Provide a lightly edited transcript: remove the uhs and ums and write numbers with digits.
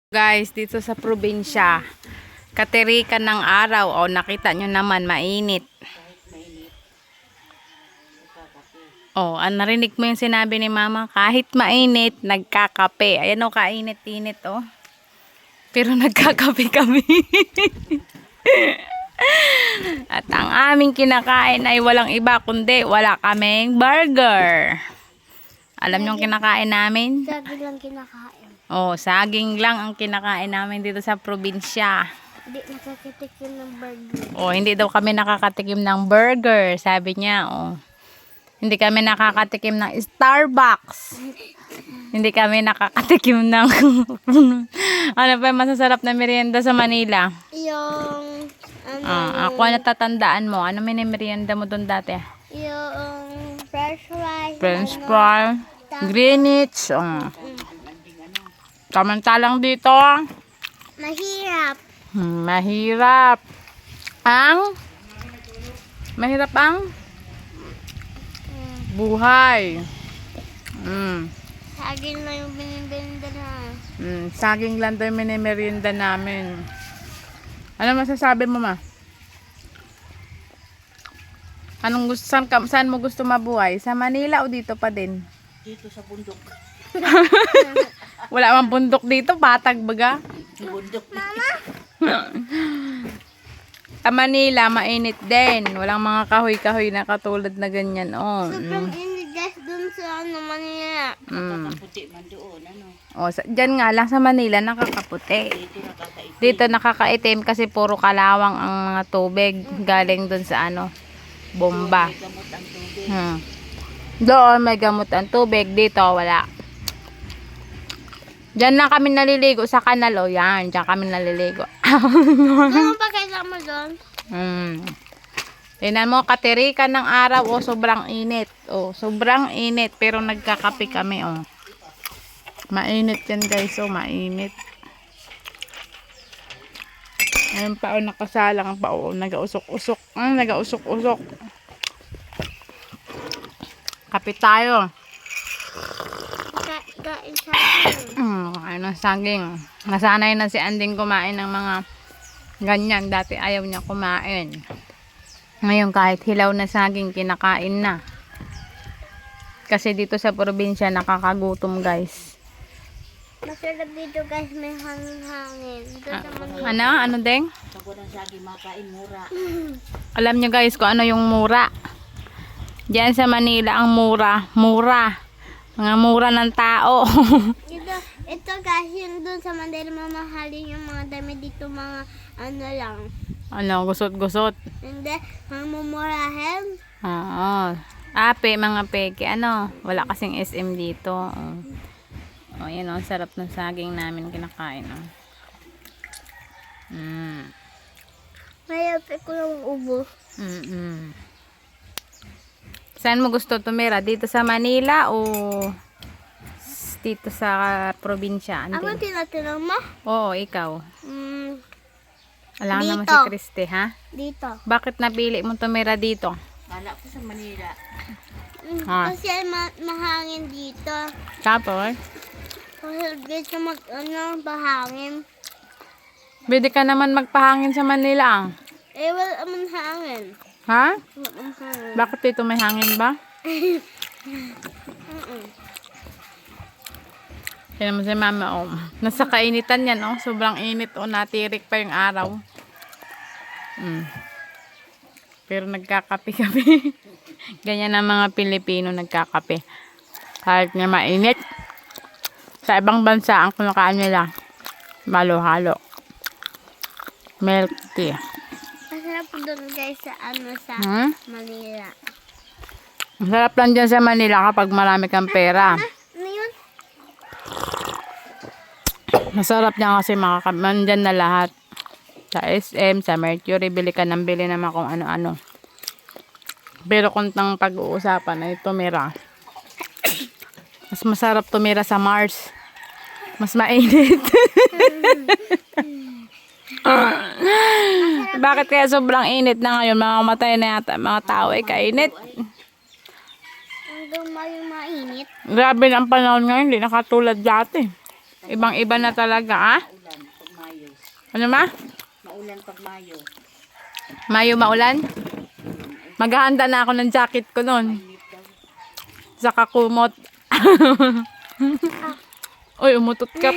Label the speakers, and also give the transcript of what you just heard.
Speaker 1: Guys, dito sa probinsya, katirikan ng araw. O, nakita nyo naman, mainit. O, narinig mo yung sinabi ni mama, kahit mainit, nagkakape. Ayan o, kainit-init o. Pero nagkakape kami. At ang aming kinakain ay walang iba kundi wala kaming burger. Alam nyo yung kinakain namin?
Speaker 2: Saging lang kinakain.
Speaker 1: Oh, saging lang ang kinakain namin dito sa probinsya.
Speaker 2: Hindi nakakitikim ng burger.
Speaker 1: Oh, hindi daw kami nakakatikim ng burger, sabi niya. Oh. Hindi kami nakakatikim ng Starbucks. Hindi kami nakakatikim ng ano pa yung masasarap na merienda sa Manila?
Speaker 2: Yung
Speaker 1: Ako natatandaan mo. Ano merienda mo doon dati?
Speaker 2: yung french fries.
Speaker 1: French fry, Greenwich. Samantalang dito,
Speaker 2: Mahirap.
Speaker 1: mahirap ang buhay.
Speaker 2: Saging lang yung binibenda na.
Speaker 1: Saging lang daw yung merienda namin. Ano masasabi mo, ma? Saan mo gusto mabuhay? Sa Manila o dito pa din?
Speaker 3: Dito sa bundok.
Speaker 1: Wala mang bundok dito, patag baga.
Speaker 3: Bundok.
Speaker 1: Sa Manila, mainit din. Walang mga kahoy-kahoy na katulad na ganyan. Oh.
Speaker 2: Sobrang init guys dun sa Manila.
Speaker 3: Puti man doon, ano.
Speaker 1: Oh, dyan nga lang sa Manila, nakakaputi.
Speaker 3: Dito nakakaitim.
Speaker 1: Dito nakakaitim kasi puro kalawang ang mga tubig galing dun sa bomba.
Speaker 3: May gamot ang tubig.
Speaker 1: Doon may gamot ang tubig, dito wala. Diyan lang kami naliligo sa kanal. O yan, diyan kami naliligo.
Speaker 2: Ano pa kailangan mo doon?
Speaker 1: Tingnan mo, katirikan ng araw. O, sobrang init. O, sobrang init. Pero nagkakape kami. O. Mainit yan guys. O, mainit. Ayun pa o, nakasalang pa o. Nagausok-usok. Nagausok-usok. Kape tayo.
Speaker 2: Kain saging.
Speaker 1: Kain ng saging. Nasanay na si Anding kumain ng mga ganyan. Dati ayaw niya kumain. Ngayon kahit hilaw na saging kinakain na. Kasi dito sa probinsya nakakagutom guys.
Speaker 2: Masarap dito guys, may hangin-hangin. Doon sa Manila.
Speaker 1: Ano Deng?
Speaker 3: Sago ng saging makain mura.
Speaker 1: Alam niyo guys kung ano yung mura. Diyan sa Manila ang mura. Mga mura ng tao.
Speaker 2: ito guys, yung doon sa Manila mamahalin yung mga dami dito mga ano lang.
Speaker 1: Gusot-gusot.
Speaker 2: Hindi, mga mumurahin.
Speaker 1: Oo. Mga peke. Wala kasing SM dito. Oh, yan o. Sarap ng saging namin kinakain.
Speaker 2: Mayapit ko yung ubo.
Speaker 1: Saan mo gusto tumira? Dito sa Manila o dito sa probinsya?
Speaker 2: Ano tinatanong mo?
Speaker 1: Oo, ikaw. Alam naman
Speaker 2: Dito.
Speaker 1: si Christy, ha?
Speaker 2: Dito.
Speaker 1: Bakit napili mo tumira dito?
Speaker 3: Kala ko sa Manila.
Speaker 2: Kasi mahangin dito.
Speaker 1: Tapos,
Speaker 2: Kasi dito bahangin.
Speaker 1: pwede ka naman magpahangin sa Manila.
Speaker 2: Wala man hangin.
Speaker 1: Ha?
Speaker 2: Wala man hangin.
Speaker 1: Bakit dito may hangin ba? Kaya naman si mama, nasa kainitan yan, sobrang init, natirik pa yung araw. Pero nagkakape kami. Ganyan ang mga Pilipino nagkakape. Kahit nga mainit. Sa ibang bansa, ang kinakain nila, halo-halo. Milk tea.
Speaker 2: Masarap doon guys sa sa Manila.
Speaker 1: Masarap lang dyan sa Manila kapag marami kang pera.
Speaker 2: Ano yun?
Speaker 1: Masarap niya kasi nandyan na lahat. Sa SM, sa Mercury, bili ka ng bili naman kung ano-ano. Pero kung tang pag-uusapan ay tumira. Mas masarap tumira sa Mars. Mas mainit. Bakit kaya sobrang init na ngayon? Mamamatay na yata mga tao ay kainit.
Speaker 2: Hanggang mainit.
Speaker 1: Grabe na ang panahon ngayon, hindi nakatulad dati. Ibang-iba na talaga, Ano ma?
Speaker 3: Maulan pag Mayo.
Speaker 1: Mayo maulan? Maghahanda na ako ng jacket ko nun. Saka kumot. Uy, umutot ka.